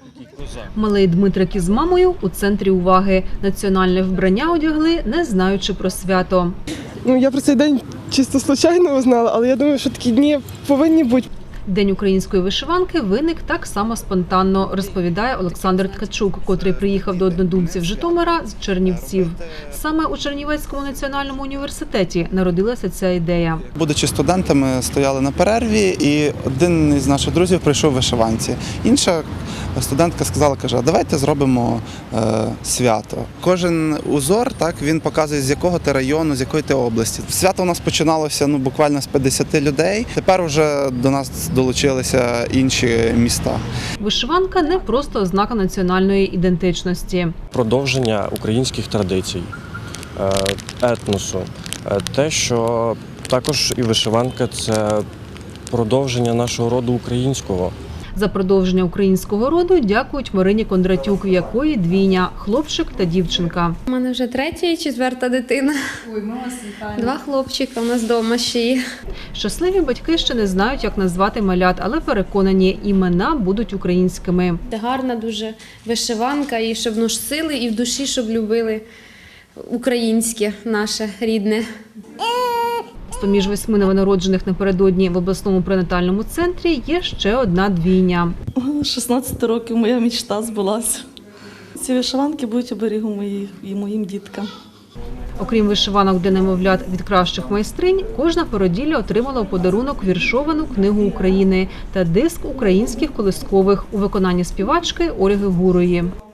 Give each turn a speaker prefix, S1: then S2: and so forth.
S1: Малий Дмитрик із мамою у центрі уваги. Національне вбрання одягли, не знаючи про свято.
S2: Я про цей день чисто случайно узнала, але я думаю, що такі дні повинні бути.
S1: День української вишиванки виник так само спонтанно, розповідає Олександр Ткачук, котрий приїхав до однодумців Житомира з Чернівців. Саме у Чернівецькому національному університеті народилася ця ідея.
S3: Будучи студентами, стояли на перерві, і один із наших друзів прийшов в вишиванці. Інша студентка сказала, каже, а давайте зробимо свято. Кожен узор, так, він показує, з якого ти району, з якої ти області. Свято у нас починалося буквально з 50 людей. Тепер вже до нас долучилися інші міста.
S1: Вишиванка не просто ознака національної ідентичності.
S4: Продовження українських традицій, етносу. Те, що також і вишиванка – це продовження нашого роду українського.
S1: За продовження українського роду дякують Марині Кондратюк, в якої двійня – хлопчик та дівчинка.
S5: У мене вже 3-я і 4-та дитина.
S6: Ой, ми вас вітаємо.
S5: 2 хлопчика у нас вдома ще є.
S1: Щасливі батьки ще не знають, як назвати малят, але переконані, імена будуть українськими.
S5: Це гарна дуже вишиванка, і щоб носили, і в душі, щоб любили українське, наше рідне.
S1: З-поміж 8 новонароджених напередодні в обласному пренатальному центрі є ще одна двійня.
S7: 16 років моя мечта збулася. Ці вишиванки будуть оберігом моїм діткам.
S1: Окрім вишиванок для немовлят від кращих майстринь, кожна породілля отримала у подарунок віршовану книгу України та диск українських колискових у виконанні співачки Ольги Гурої.